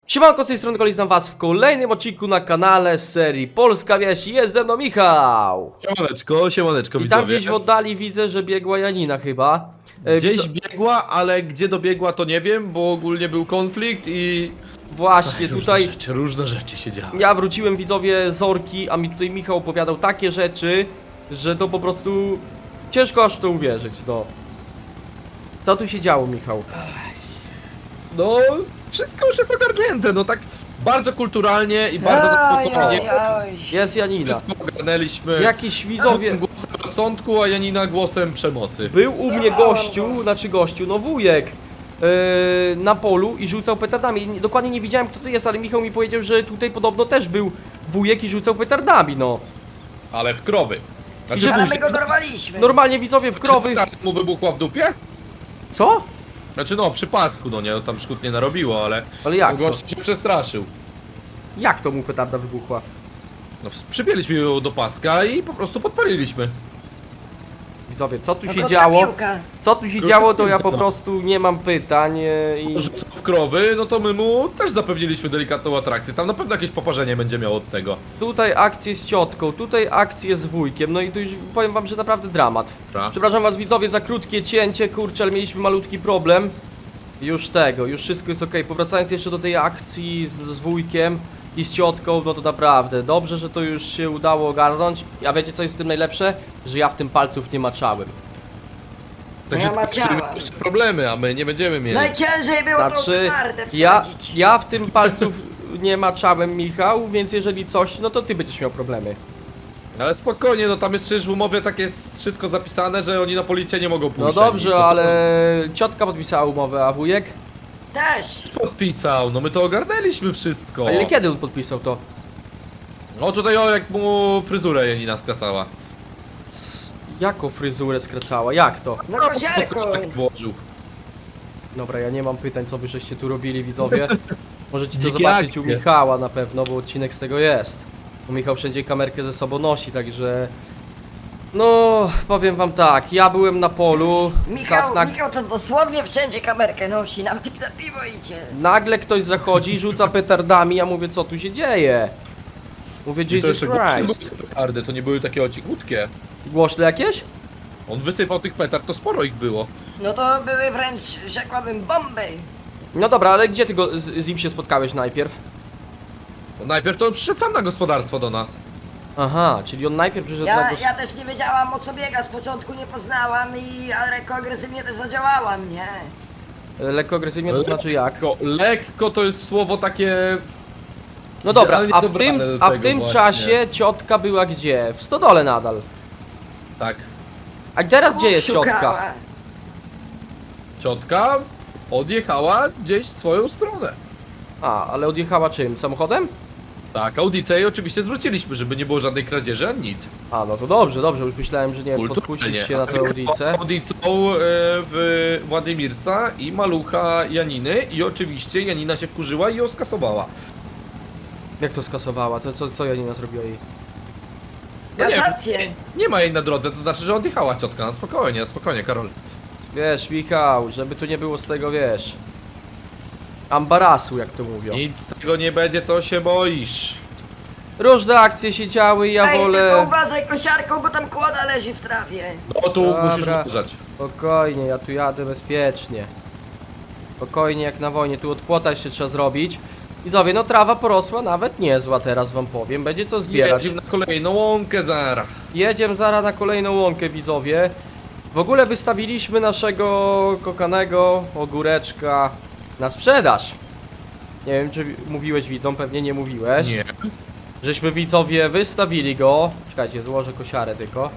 Siemanko, z tej strony Kolis, was w kolejnym odcinku na kanale z serii Polska Wieś. Jest ze mną Michał. Siemaneczko, siemaneczko, I widzowie. tam gdzieś w oddali widzę, że biegła Janina chyba. Gdzieś biegła, ale gdzie dobiegła to nie wiem, bo ogólnie był konflikt i... Właśnie tutaj Różne rzeczy się działy. ja wróciłem, widzowie, z Orki, a mi tutaj Michał opowiadał takie rzeczy, że to po prostu ciężko aż w to uwierzyć, no. Co tu się działo, Michał? No, wszystko już jest ogarnięte, no tak bardzo kulturalnie i bardzo na spokojnie. Jest Janina. Wszystko ogarnęliśmy. Jakiś widzowie... Głosem rozsądku, a Janina głosem przemocy. Był u mnie gościu, no wujek, na polu i rzucał petardami. Dokładnie nie wiedziałem, kto to jest, ale Michał mi powiedział, że tutaj podobno też był wujek i rzucał petardami, no. Ale w krowy. I że Ale my go dorwaliśmy. Normalnie, widzowie, w krowy... Tak mu wybuchła w dupie? Co? Znaczy no, przy pasku, no nie, no tam szkód nie narobiło, ale... Ale jak to? Gość się przestraszył. Jak to mu petarda wybuchła? No, przypięliśmy ją do paska i po prostu podpaliliśmy. Widzowie, co tu No, się krótka działo? piłka. Co tu się Krótka działo, to ja piłka, po no. prostu nie mam pytań i... Rzucał w krowy, no to my mu też zapewniliśmy delikatną atrakcję. Tam na pewno jakieś poparzenie będzie miało od tego. Tutaj akcje z ciotką, tutaj akcje z wujkiem, no i tu już powiem wam, że naprawdę dramat. Dobra. Przepraszam was, widzowie, za krótkie cięcie, kurczę, ale mieliśmy malutki problem. Już wszystko jest ok. Powracając jeszcze do tej akcji z wujkiem i z ciotką, no to naprawdę dobrze, że to już się udało ogarnąć. A wiecie, co jest w tym najlepsze? Że ja w tym palców nie maczałem. Także Ja tu maciałem. będziemy jeszcze problemy, a my nie będziemy mieli. Najciężej było tą Znaczy, petardę ja wsadzić. w tym palców nie maczałem, Michał, więc jeżeli coś, no to ty będziesz miał problemy. Ale spokojnie, no tam jest przecież w umowie tak jest wszystko zapisane, że oni na policję nie mogą pójść. No dobrze, ale ciotka podpisała umowę, a wujek? Też. Podpisał, no my to ogarnęliśmy wszystko. A ile kiedy on podpisał to? No tutaj o, jak mu fryzurę Janina skracała. Jaką fryzurę skracała? Jak to? No kosiarką. Włożył. Dobra, ja nie mam pytań, co wy żeście tu robili, widzowie. Możecie to Dzikie zobaczyć u akcje. Michała na pewno, bo odcinek z tego jest. Bo Michał wszędzie kamerkę ze sobą nosi, także... No, powiem wam tak, ja byłem na polu, Michał to dosłownie wszędzie kamerkę nosi, nawet jak na piwo idzie. nagle ktoś zachodzi, rzuca petardami, ja mówię, co tu się dzieje? Mówię, I to Jesus jeszcze głośne Christ. były te petardy, to nie były takie ocichutkie. Głośne jakieś? On wysypał tych petard, to sporo ich było. No to były wręcz, rzekłabym, bomby. No dobra, ale gdzie ty z nim się spotkałeś najpierw? No najpierw to on przyszedł sam na gospodarstwo do nas. Aha, czyli on najpierw przyszedł na Ja też nie wiedziałam, o co biega, z początku nie poznałam ale lekko agresywnie też zadziałałam, nie? lekko agresywnie, to znaczy jak? Lekko to jest słowo takie... No dobra, idealnie a w dobrane tym, do a w tego tym właśnie. czasie ciotka była gdzie? W stodole nadal. Tak. A teraz gdzie jest Szukała. ciotka? Ciotka odjechała gdzieś w swoją stronę. A, ale odjechała czym? Samochodem? Tak, audicę i oczywiście zwróciliśmy, żeby nie było żadnej kradzieży, ani nic. A, no to dobrze, już myślałem, że nie wiem, podpuścić się na tę audicę. Audicą w Władimirca i malucha Janiny i oczywiście Janina się wkurzyła i ją skasowała. Jak to skasowała? To co Janina zrobiła jej? No nie, Kasację. nie ma jej na drodze, to znaczy, że odjechała ciotka. No spokojnie, Karol. Wiesz, Michał, żeby tu nie było z tego, wiesz... Ambarasu, jak to mówią. Nic z tego nie będzie, co się boisz. Różne akcje się działy i ja Ej, tylko wolę... uważaj kosiarką, bo tam kłoda leży w trawie. No tu Dobra. musisz uważać. Spokojnie, ja tu jadę bezpiecznie. Spokojnie jak na wojnie, tu od płota jeszcze trzeba zrobić. Widzowie, no trawa porosła nawet niezła, teraz wam powiem, będzie co zbierać. Jedziemy na kolejną łąkę zara. Jedziemy zaraz na kolejną łąkę, widzowie. W ogóle wystawiliśmy naszego kochanego ogóreczka na sprzedaż. Nie wiem, czy mówiłeś widzom, pewnie nie mówiłeś. Nie. Żeśmy, widzowie, wystawili go. Czekajcie, złożę kosiarę tylko.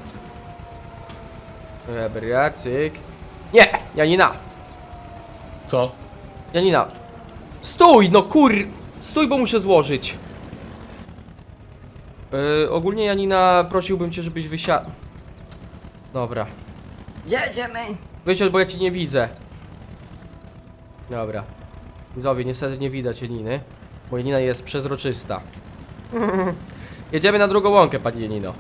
Dobra, cyk. Nie! Janina! Co? Janina! Stój! No kur... Stój, bo muszę złożyć. Ogólnie, Janina, prosiłbym cię, żebyś wysiadł. Dobra. Jedziemy. Wysiadł, bo ja cię nie widzę. Dobra. Widzowie, niestety nie widać Janiny, bo Janina jest przezroczysta. Jedziemy na drugą łąkę, pani Janino.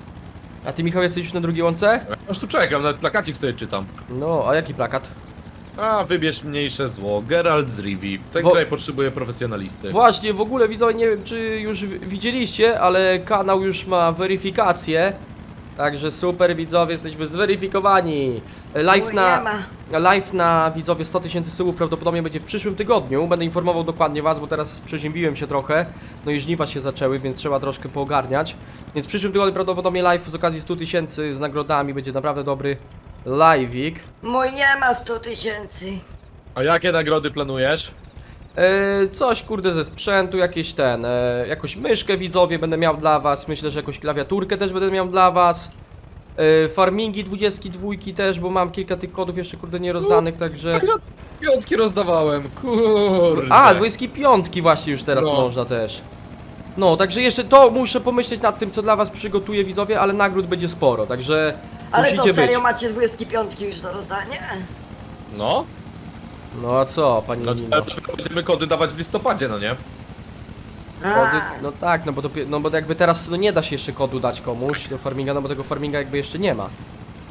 A ty, Michał, jesteś już na drugiej łące? Ja już tu czekam, nawet plakacik sobie czytam. No, a jaki plakat? A, wybierz mniejsze zło. Geralt z Rivii. Ten Wo- kraj potrzebuje profesjonalisty. Właśnie, w ogóle widzowie, nie wiem czy już widzieliście, ale kanał już ma weryfikację. Także super widzowie, jesteśmy zweryfikowani. Live Mój na... nie ma. Live na widzowie 100 000 subów prawdopodobnie będzie w przyszłym tygodniu. Będę informował dokładnie was, bo teraz przeziębiłem się trochę. No i żniwa się zaczęły, więc trzeba troszkę poogarniać. Więc w przyszłym tygodniu prawdopodobnie live z okazji 100 000 z nagrodami będzie naprawdę dobry live'ik. Mój nie ma 100 000. A jakie nagrody planujesz? Coś kurde ze sprzętu, jakieś jakąś myszkę widzowie będę miał dla was. Myślę, że jakąś klawiaturkę też będę miał dla was. Farmingi 22 też, bo mam kilka tych kodów jeszcze kurde nierozdanych, także... Piątki rozdawałem, kurde. A, 25 właśnie już teraz No. można też. No, także jeszcze to muszę pomyśleć nad tym, co dla was przygotuję widzowie, ale nagród będzie sporo, także Ale musicie co, serio być. macie 25 już do rozdania? No, No a co, pani no Nino? to będziemy kody dawać w listopadzie, no nie? Kody, no tak, no bo jakby teraz no nie da się jeszcze kodu dać komuś do farminga, no bo tego farminga jakby jeszcze nie ma.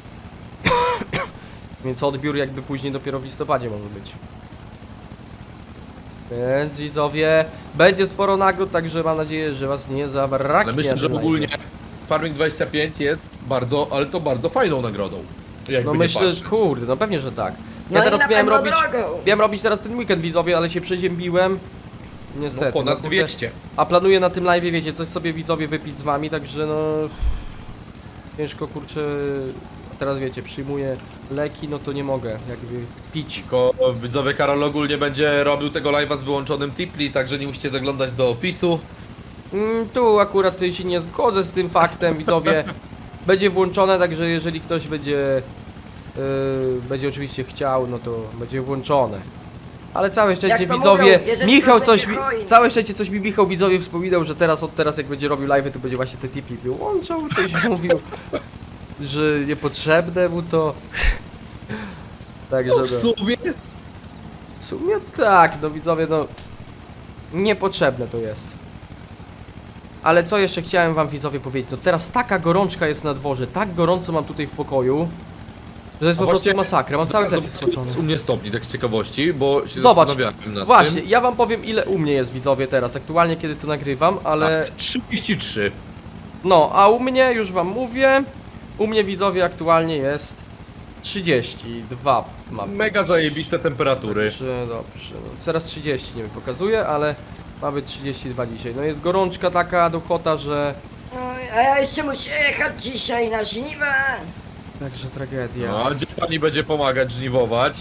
Więc odbiór jakby później dopiero w listopadzie może być. Więc widzowie, będzie sporo nagród, także mam nadzieję, że was nie zabraknie. Ale myślę, że na ogólnie Farming 25 jest bardzo, ale to bardzo fajną nagrodą. Jakby No nie myślę, patrzeć. że kurde, no pewnie, że tak. No Ja i teraz na miałem pewno robić, drogą. teraz ten weekend widzowie, ale się przeziębiłem. Niestety. No ponad kurde. 200. A planuję na tym live, wiecie, coś sobie widzowie wypić z wami, także no... Ciężko kurczę... Teraz wiecie, przyjmuję leki, no to nie mogę jakby pić. Tylko widzowie Karol ogólnie będzie robił tego live'a z wyłączonym tipli, także nie musicie zaglądać do opisu. Tu akurat się nie zgodzę z tym faktem, widzowie. Będzie włączone, także jeżeli ktoś będzie oczywiście chciał, no to będzie włączone. Ale całe szczęście Jak to widzowie, mówią, jeżeli Michał ktoś coś będzie hojny. całe szczęście coś mi Michał widzowie wspominał, że od teraz jak będzie robił live, to będzie właśnie te tipi wyłączał, coś mówił, że niepotrzebne mu to. Także No w sumie w sumie tak, no widzowie, no niepotrzebne to jest. Ale co jeszcze chciałem wam widzowie powiedzieć, no teraz taka gorączka jest na dworze, tak gorąco mam tutaj w pokoju, że jest A po prostu właśnie- masakra, mam cały plecy Zobacz, spocony. u mnie stopni, tak z ciekawości, bo się Zobacz, zastanawiałem nad właśnie, tym. ja wam powiem ile u mnie jest widzowie teraz, aktualnie kiedy to nagrywam, ale... Tak, 33. No, a u mnie, już wam mówię, u mnie widzowie aktualnie jest 32 mam. Mega zajebiste temperatury. Dobrze, dobrze, no, teraz 30 nie pokazuje, ale mamy 32 dzisiaj. No jest gorączka taka duchota, że... Oj, a ja jeszcze muszę jechać dzisiaj na żniwa. Także tragedia. No, a gdzie pani będzie pomagać żniwować?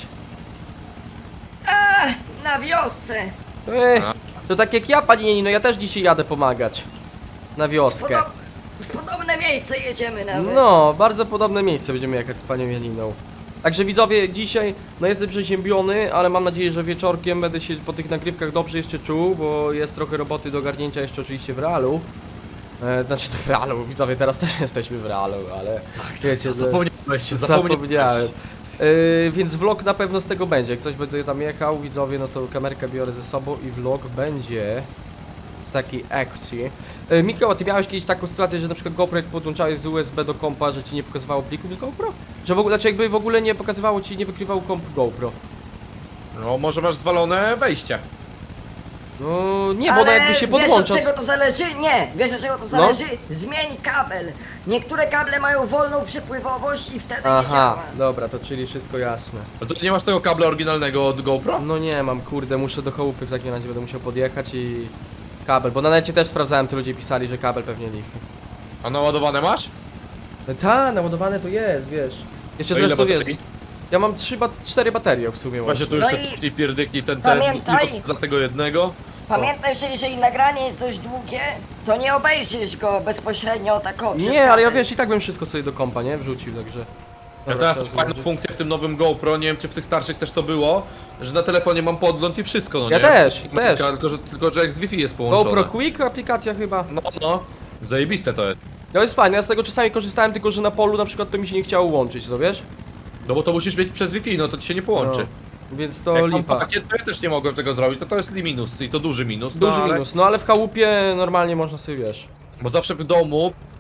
Na wiosce. A. To tak jak ja, pani Janino, ja też dzisiaj jadę pomagać. Na wioskę. W podobne miejsce jedziemy nawet. No, bardzo podobne miejsce będziemy jechać z panią Janiną. Także widzowie, dzisiaj, no jestem przeziębiony, ale mam nadzieję, że wieczorkiem będę się po tych nagrywkach dobrze jeszcze czuł, bo jest trochę roboty do ogarnięcia jeszcze oczywiście w realu. Znaczy w realu, widzowie, teraz też jesteśmy w realu, ale wiecie, że... Zapomniałeś się, Zapomniałem. Więc vlog na pewno z tego będzie. Jak coś będę tam jechał, widzowie, no to kamerkę biorę ze sobą i vlog będzie z takiej akcji. Mikołaj, ty miałeś kiedyś taką sytuację, że na przykład GoPro jak podłączałeś z USB do kompa, że ci nie pokazywało plików z GoPro? Że w ogóle, znaczy jakby w ogóle nie pokazywało ci, nie wykrywał komp GoPro? No, może masz zwalone wejście. No nie, bo ona jakby się podłącza. Wiesz od czego to zależy? Nie, wiesz od czego to zależy? Zmień kabel. Niektóre kable mają wolną przepływowość i wtedy nie Aha, działa. dobra, to czyli wszystko jasne. No to nie masz tego kabla oryginalnego od GoPro? No nie mam, kurde, muszę do chałupy w takim razie, będę musiał podjechać i... Kabel, bo na necie też sprawdzałem, tu ludzie pisali, że kabel pewnie lichy. A naładowane masz? Ta, naładowane to jest, wiesz. Jeszcze To ile zresztą baterii? jest. Ja mam 4 baterie w sumie. Właśnie tu No jeszcze i cofnij pierdyknij ten pamiętaj- tylko za tego jednego. Pamiętaj, że jeżeli nagranie jest dość długie, to nie obejrzysz go bezpośrednio tak o, przez Nie, ale ja kabel. wiesz, i tak bym wszystko sobie do kompa, nie? Wrzucił, także... Ja Dobra, teraz trzeba mam fajną złożyć. funkcję w tym nowym GoPro, nie wiem czy w tych starszych też to było, że na telefonie mam podgląd i wszystko, no Ja nie? też. Tylko, że jak z Wi-Fi jest połączone. GoPro Quick aplikacja chyba. No, zajebiste to jest. No jest fajne, ja z tego czasami korzystałem, tylko że na polu na przykład to mi się nie chciało łączyć, no wiesz? No bo to musisz mieć przez Wi-Fi, no to ci się nie połączy. No, więc to Jak mam lipa. pakiet, to ja też nie mogłem tego zrobić, to jest minus i to duży minus. Duży no, ale, minus, no ale w chałupie normalnie można sobie, wiesz. Bo zawsze w domu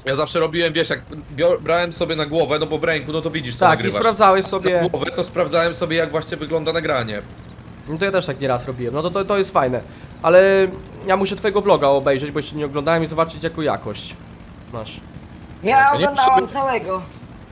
Ja zawsze robiłem, wiesz, jak brałem sobie na głowę, no bo w ręku, no to widzisz co Tak, i nagrywasz. sprawdzałeś Na sobie. głowę to sprawdzałem sobie jak właśnie wygląda nagranie. No to ja też tak nieraz robiłem, no to jest fajne. Ale ja muszę twojego vloga obejrzeć, bo jeszcze nie oglądałem i zobaczyć jaką jakość masz. Ja nie oglądałam przy- całego.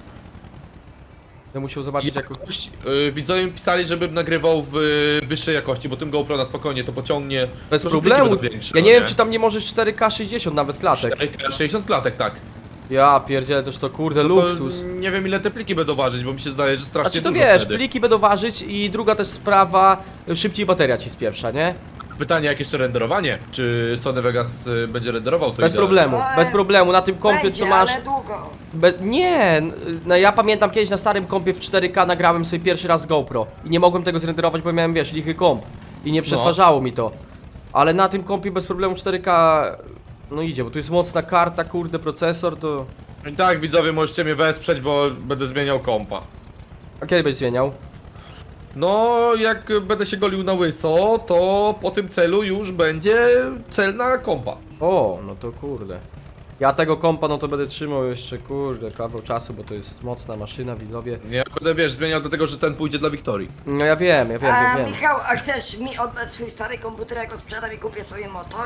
Ja musiał zobaczyć jaką... Jakość, widzowie mi pisali, żebym nagrywał w wyższej jakości, bo tym GoPro na spokojnie to pociągnie. Bez to, że problemu. pliki będą większe, Ja no nie wiem czy tam nie możesz 4K 60 nawet klatek. 60 klatek, tak. Ja pierdzielę, toż to kurde To luksus. nie wiem ile te pliki będą ważyć, bo mi się zdaje, że strasznie Znaczy to dużo wiesz, wtedy. pliki będą ważyć i druga też sprawa, szybciej bateria ci spieprza, nie? Pytanie jak jeszcze renderowanie? Czy Sony Vegas będzie renderował to Bez idealnie? problemu, Ale bez problemu, na tym kompie Będzie, co masz... ale długo. Nie, no ja pamiętam kiedyś na starym kompie w 4K nagrałem sobie pierwszy raz z GoPro i nie mogłem tego zrenderować, bo miałem, wiesz, lichy komp i nie przetwarzało mi to. Ale na tym kompie bez problemu 4K, no idzie, bo tu jest mocna karta, kurde, procesor, to... I tak widzowie możecie mnie wesprzeć, bo będę zmieniał kompa. A kiedy będziesz zmieniał? No, jak będę się golił na łyso, to po tym celu już będzie cel na kompa. O, no to kurde. Ja tego kompa, no to będę trzymał jeszcze, kurde, kawał czasu, bo to jest mocna maszyna, widzowie. Ja będę, wiesz, zmieniał do tego, że ten pójdzie dla Wiktorii. No ja wiem, A wiem. Michał, a chcesz mi oddać swój stary komputer, jak go sprzedam i kupię sobie motor?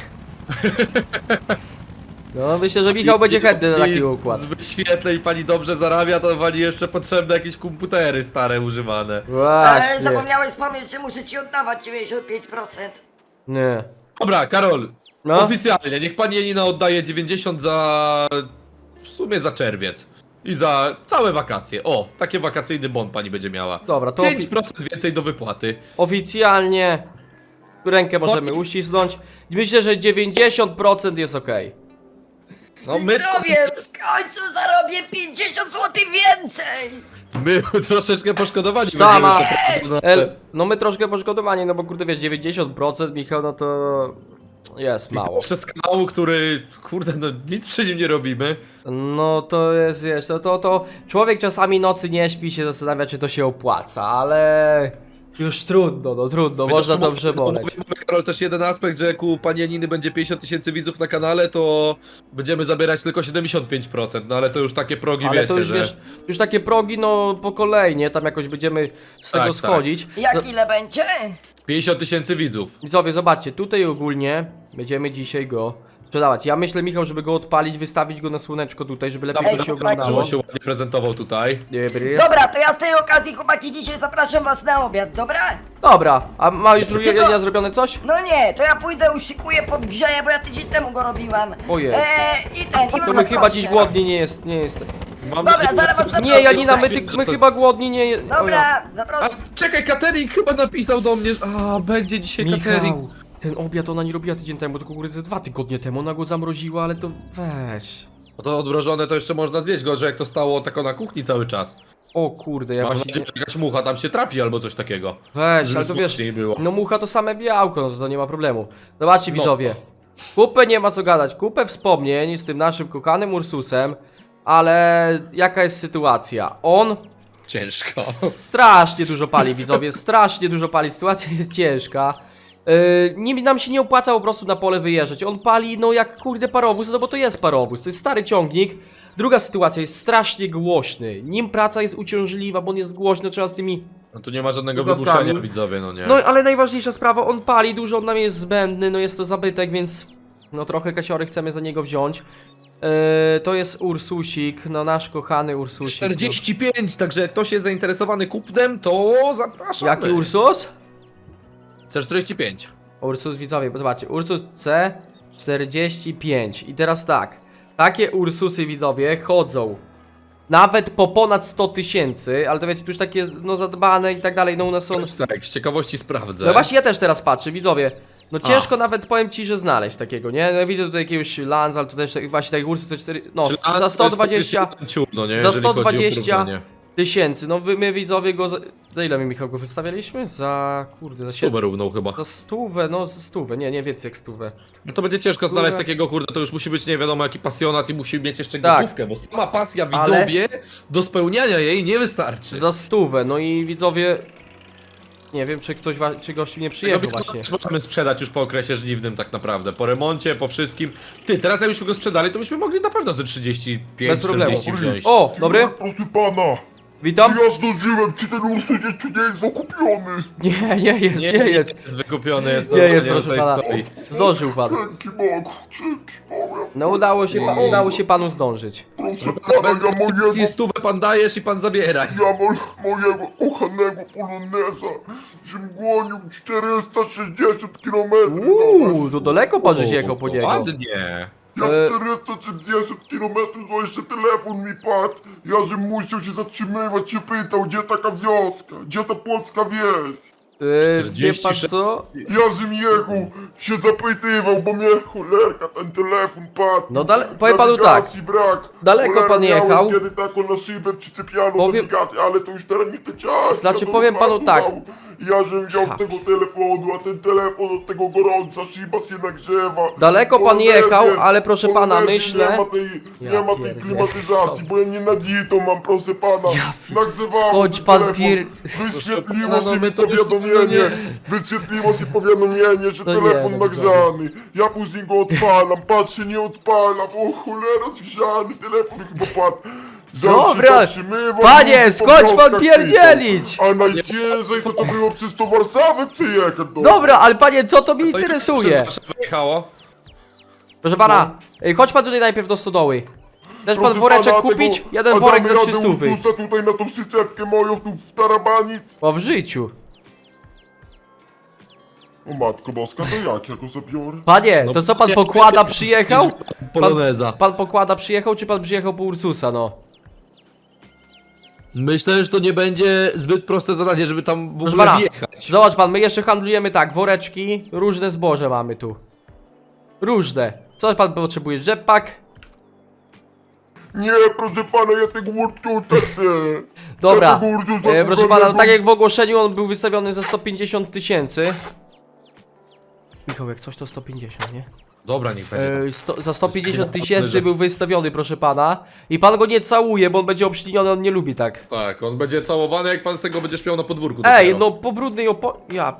No myślę, że Michał będzie chętny na taki układ. Z wyświetleń pani dobrze zarabia, to pani jeszcze potrzebne jakieś komputery stare używane. Ale Właśnie. zapomniałeś wspomnieć, że muszę ci oddawać 95%. Nie. Dobra, Karol, No. oficjalnie, niech pani Janina oddaje 90 za... w sumie za czerwiec. I za całe wakacje. O, taki wakacyjny bon pani będzie miała. Dobra, to 5% więcej do wypłaty. oficjalnie rękę możemy Co? uścisnąć. Myślę, że 90% jest ok. No my, Widzowie, w końcu zarobię 50 zł więcej! my troszeczkę poszkodowani Sztama. będziemy. No my troszkę poszkodowani, no bo kurde wiesz, 90% Michał, no to jest mało. Jeszcze z kanału, który, kurde, no nic przy nim nie robimy. No to jest, wiesz, to człowiek czasami nocy nie śpi, się zastanawia, czy to się opłaca, ale już trudno, no trudno, My można też dobrze mówimy, boleć. Karol, też jeden aspekt, że jak u pani Janiny będzie 50 tysięcy widzów na kanale, to będziemy zabierać tylko 75%, no ale to już takie progi, Ale wiecie, to już że... wiesz, już takie progi, no po kolei, nie? Tam jakoś będziemy z Tak, tego tak. schodzić. Jak ile będzie? 50 tysięcy widzów. Widzowie, zobaczcie, tutaj ogólnie będziemy dzisiaj go sprzedawać. Ja myślę, Michał, żeby go odpalić, wystawić go na słoneczko tutaj, żeby lepiej Ej, to się dobra, oglądało. Żeby się ładnie prezentował tutaj. Dobry. Dobra, to ja z tej okazji, chłopaki, dzisiaj zapraszam was na obiad, dobra? Dobra, a ma już Tylko- Jania zrobione coś? No nie, to ja pójdę, uszykuję podgrzeję, bo ja tydzień temu go robiłam. Ojej. I ten, i To my poproszę. chyba dziś głodni nie jest, nie jest. Mam Dobra, nadzieję, zaraz że- was zaproszę. Nie, Janina, my, że my to- chyba głodni nie jest. Dobra, A, zaproszę. czekaj, catering chyba napisał do mnie, że... A, będzie dzisiaj catering. Michał, ten obiad ona nie robiła tydzień temu, tylko kurde ze 2 tygodnie temu, ona go zamroziła, ale to weź. No to odmrożone to jeszcze można zjeść, gorzej jak to stało tako na kuchni cały czas. O kurde, ja Mam właśnie... nadzieję, że jakaś mucha tam się trafi albo coś takiego. Weź, Żeby ale to wiesz, smaczniej było. no mucha to same białko, no to nie ma problemu. Zobaczcie No. widzowie, kupę nie ma co gadać, kupę wspomnień z tym naszym kochanym Ursusem, ale jaka jest sytuacja? On Ciężko. strasznie dużo pali, widzowie, strasznie dużo pali, sytuacja jest ciężka. Nam się nie opłaca po prostu na pole wyjeżdżać. On pali no jak kurde parowóz, no bo to jest parowóz, to jest stary ciągnik. Druga sytuacja, jest strasznie głośny. Nim praca jest uciążliwa, bo on jest głośny, trzeba z tymi... No tu nie ma żadnego Chłopakami. wybuszenia, widzowie, no nie. No ale najważniejsza sprawa, on pali dużo, on nam jest zbędny, no jest to zabytek, więc... No trochę kasiory chcemy za niego wziąć. To jest Ursusik, no nasz kochany Ursusik. 45, także jak ktoś jest zainteresowany kupnem, to No. zapraszamy. Jaki Ursus? C45. Ursus widzowie, bo zobaczcie, Ursus C45 i teraz tak, takie Ursusy widzowie chodzą nawet po ponad 100 tysięcy, ale to wiecie, tu już takie no zadbane i tak dalej, no u nas są... Tak, z ciekawości sprawdzę. No właśnie ja też teraz patrzę, widzowie, no ciężko nawet powiem ci, że znaleźć takiego, nie? No widzę tutaj jakiegoś Lanza, ale to też właśnie taki Ursus C4, no Czy za 120 ciut, no nie, za jeżeli chodzi o 120 porównanie. tysięcy, no my widzowie go za ile my Michał go wystawialiśmy? Za kurde, za Stówę równą chyba. Za stówę, no za stówę, nie więcej jak stówę. No to będzie ciężko znaleźć Kurde. takiego, kurde, to już musi być nie wiadomo jaki pasjonat i musi mieć jeszcze Tak. gotówkę, bo sama pasja Ale- widzowie do spełniania jej nie wystarczy. Za stówę, no i widzowie... Nie wiem, czy gościu nie Tego przyjechał wiesz, właśnie. też możemy sprzedać już po okresie żniwnym tak naprawdę. Po remoncie, po wszystkim. Ty, teraz jakbyśmy go sprzedali, to byśmy mogli na pewno ze 35, Bez problemu. 40 wziąć. O, dobry? Proszę pana, Witam? czy ja zdążyłem, czy ten Ursus jeszcze nie jest okupiony? Nie jest. wykupiony, jest Nie jest, normalnie, proszę tutaj pana. stoi. Zdążył pan. Dzięki Bogu, dzięki Bogu. No udało się panu zdążyć. Proszę Pana, pana, bez ja mojego, decyzji stówę pan dajesz i pan zabiera. mojego kochanego poloneza, żem gonił 460 km. To daleko pan żeś jechał po niego. Ładnie. Ja E. 430 km, to jeszcze telefon mi padł. Ja żem musiał się zatrzymywać, się pytał, gdzie taka wioska, gdzie ta polska wieś. Wie pan 46. co? Ja żem jechał, się zapytywał, bo mnie cholerka ten telefon padł. No powiem panu tak. Nawigacji brak. Daleko Cholera, pan miałem jechał. Kiedy taką na szybę przyczepiano Powiem- nawigację, ale to już teraz nie te czas. Znaczy, ja powiem panu tak. Ja żem wziął Ha. z tego telefonu, a ten telefon od tego gorąca, szyba się nagrzewa. Daleko pan Polonezję- jechał, ale proszę pana, Polonezji myślę... Nie Ja ma tej pierdzielę. klimatyzacji, Co? bo ja nie nadzitą mam, proszę pana. Nagrzewało Skądź ten pan telefon. Wyświetliło Proszę pana, się no my mi to już powiadomienie, nie- wyświetliło się powiadomienie, że No nie, telefon no nagrzany. Ja później go odpalam, patrzę, nie odpalam, o cholera, zgrzany, telefon chyba padł. Żal się Dobra, zatrzymywał, panie, ludzi po skończ pan wioskach pierdzielić! pytał. A najciężej to było przez to Warszawę przyjechać. No. Dobra, ale panie, co to mi To i interesuje? przez Warszawę jechało. Proszę pana, chodź pan tutaj najpierw do stodoły. Dasz pan Proszę woreczek pana, kupić? tego- Jeden a worek damy za radę 300. Ursusa tutaj na tą przyczepkę moją tu w tarabanic. O, w życiu. O matko boska, to jak ja go zabiorę? Panie, No, to co pan nie, pokłada nie, przyjechał? Poloneza. Pan pokłada przyjechał, czy pan przyjechał po Ursusa, no? Myślę, że to nie będzie zbyt proste zadanie, żeby tam w Proszę ogóle pana, wjechać. zobacz pan, my jeszcze handlujemy tak, woreczki, różne zboże mamy tu. Różne. Co pan potrzebuje? Rzepak? Nie, proszę pana, ja tego Ursusa chcę. Dobra, Ja tego Ursusa proszę pana, kochanego- no tak jak w ogłoszeniu on był wystawiony za 150 tysięcy. Michał, jak coś to 150, nie? Dobra, niech będzie. Za 150 Jest tysięcy że- był wystawiony, proszę pana. I pan go nie całuje, bo on będzie obśliniony, on nie lubi tak. Tak, on będzie całowany, jak pan z tego będziesz miał na podwórku. Ej, dopiero. no po brudnej Ja...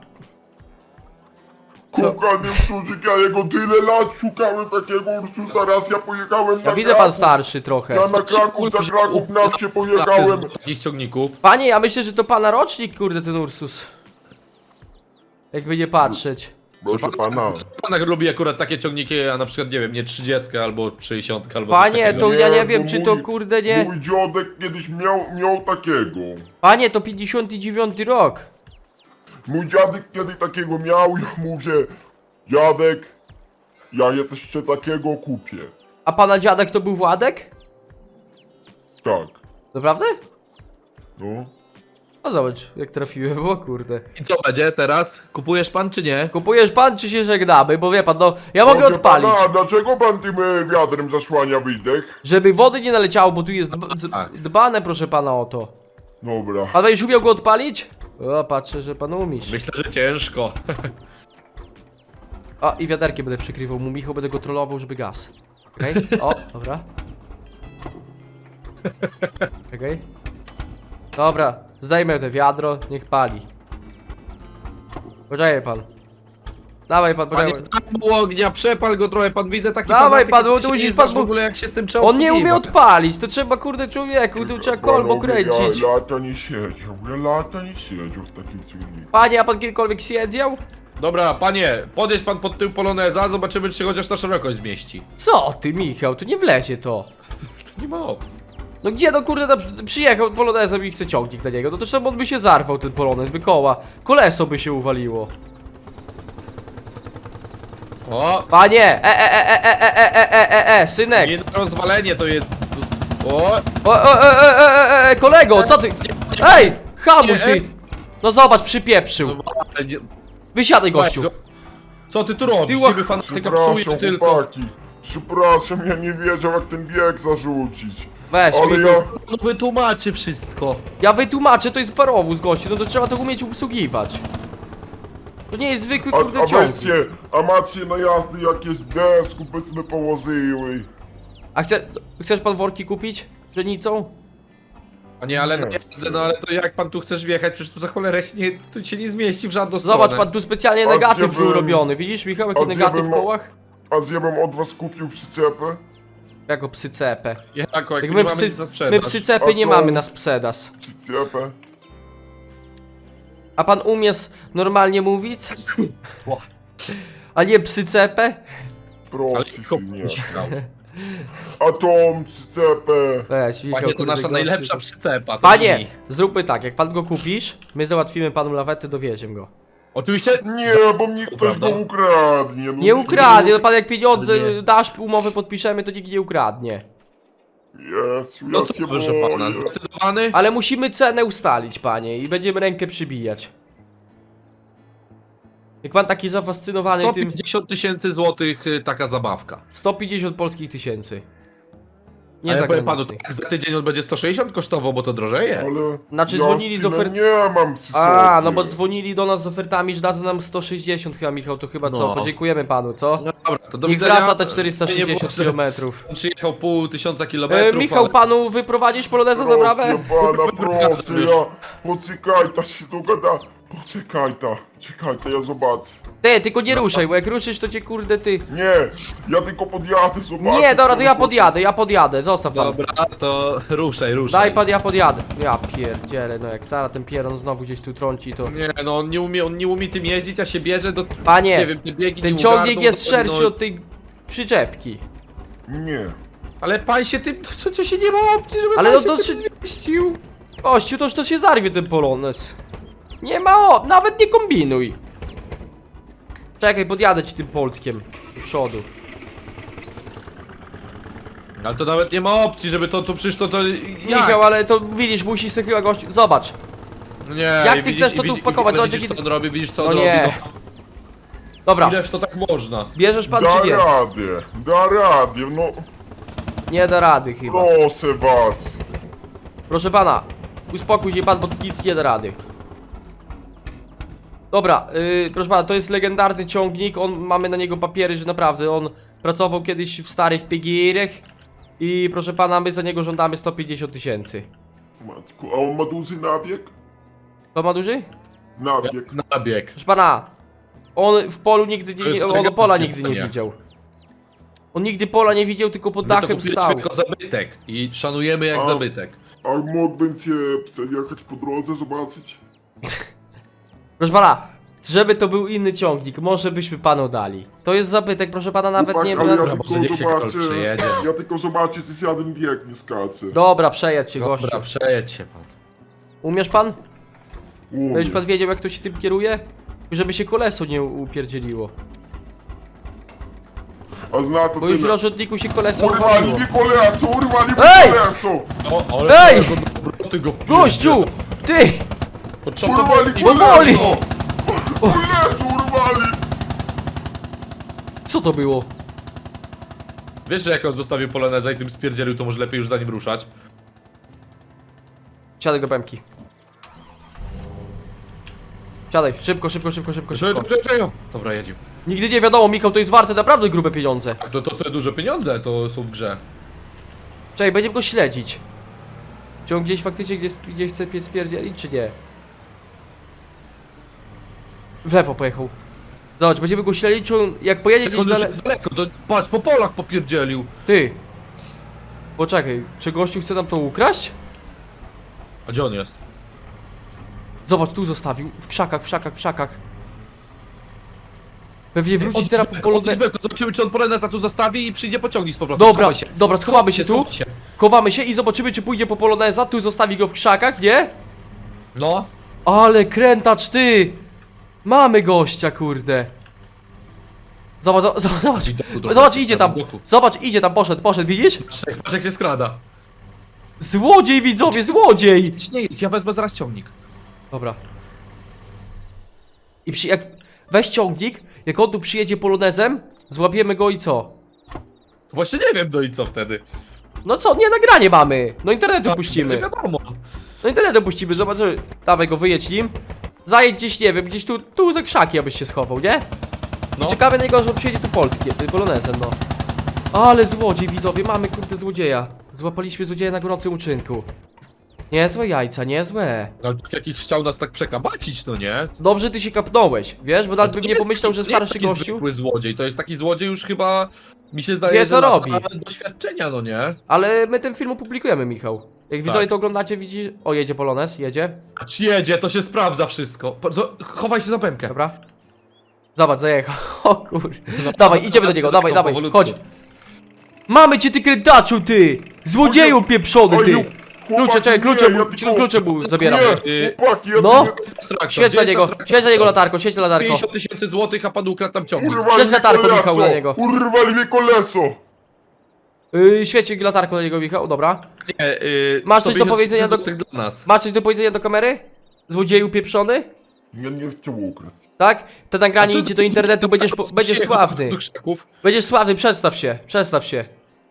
Kochany Ursusik, ja jego tyle lat szukałem takiego Ursusa, raz ja pojechałem na Ja widzę pan Kraków. starszy trochę. Ja na Kraków, za Kraków na wsie pojechałem. Z takich ciągników. Panie, ja myślę, że to pana rocznik, kurde, ten Ursus. Jakby nie patrzeć. Proszę pana. Pan lubi akurat takie ciągniki, a na przykład, nie wiem, nie 30 albo 60 albo coś Panie, takiego. to ja nie bo wiem, czy to kurde nie... Mój dziadek kiedyś miał takiego. Panie, to 59 rok. Mój dziadek kiedy takiego miał, ja mówię, dziadek, ja jeszcze takiego kupię. A pana dziadek to był Władek? Tak, Naprawdę? no. No zobacz, jak trafiłem, o kurde. I co będzie teraz? Kupujesz pan czy nie? Kupujesz pan, czy się żegnamy? Bo wie pan, no, ja mogę Proszę odpalić. Pana, dlaczego pan tym wiatrem zasłania wydech? Żeby wody nie naleciało, bo tu jest tak. dbane, proszę pana, o to. Dobra. Pan będziesz umiał go odpalić? O, patrzę, że pan umiesz. Myślę, że ciężko. O, i wiaderkiem będę przykrywał mu, Michał, będę go trollował, żeby gaz. Okej? O, dobra. Okej. Dobra, zdejmę te wiadro, niech pali. Poczekaj pan. Dawaj pan, Panie, poczekaj. tam było ognia, przepal go trochę, pan widzę taki Dawaj, fanatyk, pan, bo który tu się musisz nie pan znasz mu- w ogóle jak się z tym trzeba On nie umie obsługiwać. odpalić, to trzeba, kurde, człowieku, tu trzeba kolbą Panowie, kręcić. Ja lata nie siedział, w takim ciągniku. Panie, a pan kiedykolwiek siedział? Dobra, panie, podjedź pan pod tył poloneza, zobaczymy czy się chociaż na szerokość zmieści. Co ty, Michał, tu nie wlezie to. To nie ma opcji. No gdzie, no kurde, przyjechał polonezem i chce ciągnik dla niego, no to czemu on by się zarwał, ten polonez, by koła, koleso by się uwaliło. O, Panie, synek. nie na rozwalenie to jest... O, Kolego, co ty? Ej, hamuj ty. No zobacz, przypieprzył. nie- Wysiadaj, gościu. Co ty tu robisz? Ty Ty łach- fanatyka psujesz Przepraszam, tylko. chłopaki. Przepraszam, ja nie wiedział jak ten bieg zarzucić. Weź, Ale Michał. ja... No wytłumaczy wszystko. Ja wytłumaczę, to jest parowóz, gościu, no to trzeba to umieć obsługiwać. To nie jest zwykły, kurde, A ciągnik. weźcie, a macie na jazdy jakieś desku, byśmy położyły. A chcesz pan worki kupić? Pszenicą? Panie, ale no, Nie, jasne, no ale to jak pan tu chcesz wjechać, przecież tu za cholerę się nie, tu się nie zmieści w żadną stronę. Zobacz pan, tu specjalnie A negatyw zjebem- był robiony. Widzisz, Michał, jaki a negatyw w zjebem- kołach? A zjebem od was kupił przyczepę? Jako psy cepę. Jako, jak Jak nie my mamy psy, nic na my sprzedaż. psy cepy nie A to- mamy na sprzedaż. Przyczepę? A pan umie normalnie mówić? A nie psy cepę? Ale Proszę tylko się, nie. myślał. A tą przyczepę? Weź, Michał, Panie, to kurde, nasza gościu. najlepsza przyczepa. To Panie, mi. zróbmy tak, jak pan go kupisz, my załatwimy panu lawetę, dowieziemy go. Oczywiście. Nie, bo mnie ktoś prawda. go ukradnie. No, Nie ukradnie, no pan jak pieniądze Nie. dasz, umowę podpiszemy, to nikt nie ukradnie. Jezu, No ja co, się proszę pana, boję. zdecydowany? Ale musimy cenę ustalić, panie, i będziemy rękę przybijać. Jak pan taki zafascynowany tym... 150 tysięcy złotych taka zabawka. 150 polskich tysięcy. Nie Ale powiem panu, zagranicznych. tak za tydzień on będzie 160 kosztował, bo to drożeje. Ale Znaczy, ja dzwonili z synem ofert- nie mam przy A, sobie. no bo dzwonili do nas z ofertami, że dadzą nam 160 chyba, Michał, to chyba co? No. Podziękujemy panu, co? No dobra, to do Niech widzenia. wraca te Nie 460 było, że kilometrów. Przyjechał pół tysiąca kilometrów. Michał, ale- panu wyprowadzisz poloneza za brawę? Proszę pana, proszę, ja... Poczekaj, ta się dogada. Poczekaj, czekaj, ja zobaczę. Ty, tylko nie ruszaj, bo jak ruszysz, to cię kurde ty... Nie, ja tylko podjadę, zobaczę. Nie, dobra, to ja co- podjadę, zostaw pan. Dobra, to ruszaj. Daj pan, ja podjadę. Ja pierdzielę, no jak zaraz ten pieron znowu gdzieś tu trąci, to... Nie, no on nie umie tym jeździć, a się bierze do... Panie, Nie wiem, te biegi ten nie ciągnik ogarną, jest to szerszy no- od tej przyczepki. Nie. Ale pan się tym... To się nie ma opcji, żeby Ale pan no się to tym się- zmieścił. Gościu, to się zarwie ten polonez. Nie ma nawet nie kombinuj. Czekaj, podjadę ci tym poltkiem do przodu. Ale to nawet nie ma opcji, żeby to przecież to... Jak? Michał, ale to widzisz, musi sobie chyba gościu... Zobacz. No nie, Jak i ty chcesz to tu wpakować? ale Zobacz, widzisz jaki- co on robi, widzisz co No on nie. robi, Dobra, no. Ileż to tak można? bierzesz pan Da czy nie? radę, no Nie da rady chyba. proszę was. Proszę pana, uspokój się pan, bo tu nic nie da rady. Dobra, proszę pana, to jest legendarny ciągnik, mamy na niego papiery, że naprawdę on pracował kiedyś w starych PGR-ach i proszę pana, my za niego żądamy 150 tysięcy. Matku, a on ma duży nabieg? To ma duży? Nabieg. Nabieg. Proszę pana, on w polu nigdy To jest on eleganckie pola nigdy nie pytanie. widział. On nigdy pola nie widział, tylko pod My to dachem kupiliśmy stał. jako zabytek i szanujemy jak A. zabytek. A mógłbym cię przejechać po drodze, zobaczyć? Proszę pana, żeby to był inny ciągnik, może byśmy panu dali. To jest zabytek, proszę pana, nawet Chłopak, nie... ale ja Dobra, może niech tylko się Karol zobaczę, przejedzie. ja tylko zobaczę, czy zjadłem wiek, nie skaczę. Dobra, przejedź się, gościu. Dobra, przejedź się pan. Umiesz pan? Umiem. Będziesz pan wiedział, jak to się tym kieruje? Żeby się koleso nie upierdzieliło. A zna to Bo już w tyle. rozrzutniku się koleso Urwali uwaliło. mi koleso, urwali mi Ej! koleso! O, ale Ej! ty go wpierdzi. Gościu! Ty! Potrzeba Urwali Powoli! koleso! Koleso urwali! Co to było? Wiesz, że jak on zostawił poloneza i tym spierdzielił, to może lepiej już za nim ruszać? Siadaj do pemki. Siadaj, szybko, szybko, szybko, szybko, szybko. Dobra, jedziemy. Nigdy nie wiadomo, Michał, to jest warte naprawdę grube pieniądze. Tak, to są duże pieniądze, to są w grze. Czekaj, będziemy go śledzić. Czy on gdzieś faktycznie gdzieś chce spierdzielić, czy nie? W lewo pojechał. Zobacz, będziemy go śledzić, czy on, jak pojedzie Jak gdzieś on już dalej... jest daleko, to patrz, po polach popierdzielił. Ty! Poczekaj, czy gościu chce nam to ukraść? A gdzie on jest? Zobacz, tu zostawił, w krzakach, w krzakach, w krzakach. Pewnie wróci Odjdź teraz Belko, po polonę... odjdź Belko, zobaczymy, czy on poloneza tu zostawi i przyjdzie pociągnik z powrotem. Dobra, Schowaj się. dobra, schowamy się tu. Schowaj się. Chowamy się i zobaczymy, czy pójdzie po poloneza, tu zostawi go w krzakach, nie? No. Ale krętacz, ty! Mamy gościa, kurde. Zobacz, zobacz, zobacz, idzie tam, zobacz, idzie tam, poszedł, widzisz? Patrz jak się skrada. Złodziej, widzowie, złodziej! Idź, nie idź, ja wezmę zaraz ciągnik. Dobra. I weź ciągnik, jak on tu przyjedzie polonezem, złapiemy go i co? Właśnie nie wiem, no i co wtedy? No co, nie nagranie mamy, no internetu puścimy. Będzie wiadomo. No internetu puścimy, zobaczymy. Dawaj go, wyjedź nim. Zajedź gdzieś, nie wiem, gdzieś tu za krzaki, abyś się schował, nie? No. Czekamy na niego, że przyjedzie tu polonezem, no. Ale złodziej, widzowie, mamy kurde złodzieja. Złapaliśmy złodzieja na gorącym uczynku. Niezłe jajca, niezłe. Ale tak jak ich chciał nas tak przekabacić, no nie? Dobrze ty się kapnąłeś, wiesz, bo nawet bym To nie jest pomyślał, taki- że to nie jest starszy taki gościu. zwykły złodziej, to jest taki złodziej już chyba, mi się zdaje, Wie, co że lata robi. doświadczenia, no nie? Ale my ten film opublikujemy, Michał. Jak widzowie Tak. to oglądacie, widzi... O, jedzie Polonez, jedzie. Patrz, jedzie, to się sprawdza wszystko. Chowaj się za pękę. Dobra. Zobacz, zajechał. O kur... Dawaj, idziemy do niego, dawaj, dawaj, powolutku. chodź. Mamy cię, ty krętaczu, ty! Złodzieju pieprzony, ty! Klucze, czekaj, klucze mu zabieram. Nie, chłopaki, ja No. tu Świeć na niego, świeć na niego latarką, świeć na latarką. 50 tysięcy złotych, a pan ukradł tam ciągnik. urwali Świeć mi latarką, koleso, Michał, na niego. urwali mi koleso. Świeć latarką na niego, Michał, dobra. Nie, Masz coś do 150 powiedzenia do- złotych dla nas. Masz coś do powiedzenia do kamery? Złodzieju pieprzony? Ja nie chciał ukraść. Tak? To nagranie A co idzie ty- do internetu, będziesz Przyjechał sławny. do krzaków. Będziesz sławny, przedstaw się, przedstaw się.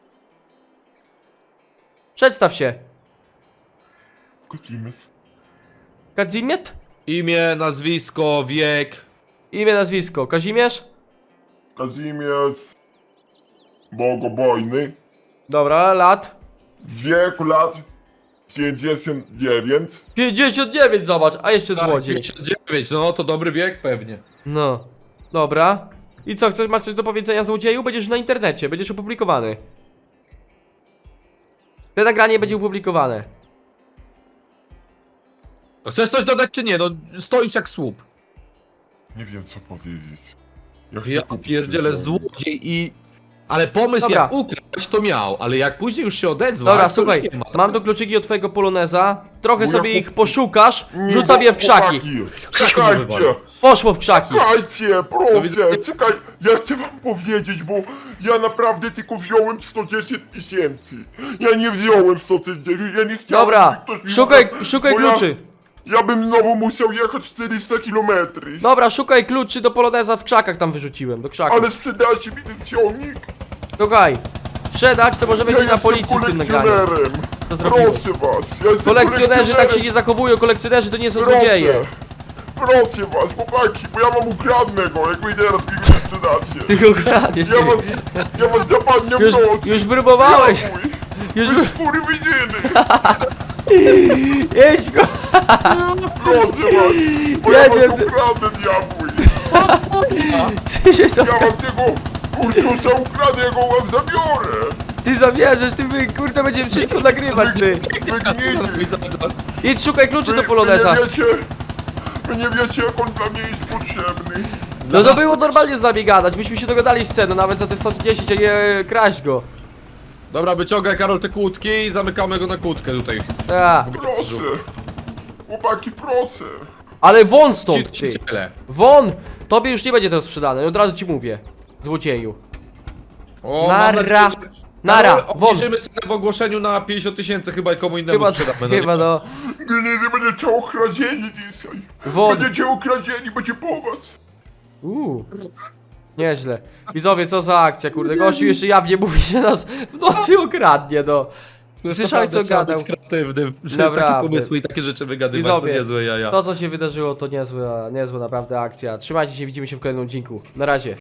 Przedstaw się. Kocimiec. Kazimiet? Imię, nazwisko, wiek. Imię, nazwisko. Kazimierz? Kazimierz. Bogobojny. Dobra, lat. Wiek lat 59. 59, zobacz, a jeszcze Tak, złodziej. 59, no to dobry wiek pewnie. No. Dobra. I co, chcesz, masz coś do powiedzenia złodzieju? Będziesz na internecie, będziesz opublikowany. To nagranie będzie opublikowane. No chcesz coś dodać czy nie? No stoisz jak słup. Nie wiem co powiedzieć. chcę Ja kupić pierdzielę ten złodziej i... Ale pomysł Dobra. jak ukraść to miał, ale jak później już się odezwał, Dobra, to słuchaj, już nie ma. mam tu kluczyki od twojego poloneza. Trochę Bo sobie ja ich poszukasz, Nie, rzucam je w krzaki. Czekajcie, wywalę. Poszło w krzaki. czekajcie, proszę, widzę- czekaj. Ja chcę wam powiedzieć, bo ja naprawdę tylko wziąłem 110 tysięcy. Ja nie wziąłem 110, ja nie chciałem, Dobra, żeby ktoś mi szukaj ukradł, bo kluczy. Ja bym znowu musiał jechać 400 kilometrów. Dobra, szukaj kluczy do poloneza w krzakach, tam wyrzuciłem, do krzaków. Ale sprzedajcie mi ten ciągnik. Słuchaj, sprzedać to możemy Ja cię na jestem policji z tym nagraniem. kolekcjonerem. To zrobiłeś. Proszę was, ja jestem Kolekcjonerzy tak się nie zachowują, kolekcjonerzy to nie są złodzieje. Proszę was, chłopaki, bo ja mam ukradnego, jak wy teraz mi go sprzedacie. Ty go kradniesz. Ja was napadnę w nocy. Już próbowałeś. Diabły. Już... Wy skóry widziny. Jedź go. Proszę was, bo Ja ja nie- was ukradnę, diabły. Ty się Ja wam tego Ursusa ukradę, ja go wam zabiorę. Ty zamierzasz, ty my, kurde, będziemy wszystko nagrywać, ty. Wy Co gnity. robi cały czas? Idź szukaj kluczy do Wy poloneza. nie wiecie, jak on dla mnie jest potrzebny. No to było normalnie z nami gadać, myśmy się dogadali z ceną, nawet za te 110, a nie kraść go. Dobra, wyciągaj Karol te kłódki i zamykamy go na kłódkę tutaj. A, Proszę. Chłopaki, proszę. ale won stąd, ty. Tyle. Won! Tobie już nie będzie to sprzedane, od razu ci mówię. Złodzieju. O, Nara. mam nadzieję, że... Nara, Karol, won. obniżymy cenę w ogłoszeniu na 50 tysięcy, chyba komu innemu Chyba, sprzedamy. no chyba nie? no. Nie będziecie okradzieni dzisiaj. Won. Będziecie okradzieni, będzie po was. Nieźle. Widzowie, co za akcja, kurde. Gościu jeszcze jawnie mówi, że nas w nocy okradnie, no. Słyszałeś, co Naprawdę trzeba gadał? być kreatywnym, że Naprawdę. takie pomysły i takie rzeczy wygadywać, to Widzowie, niezłe jaja. to co się wydarzyło to niezła naprawdę akcja. Trzymajcie się, widzimy się w kolejnym odcinku. Na razie.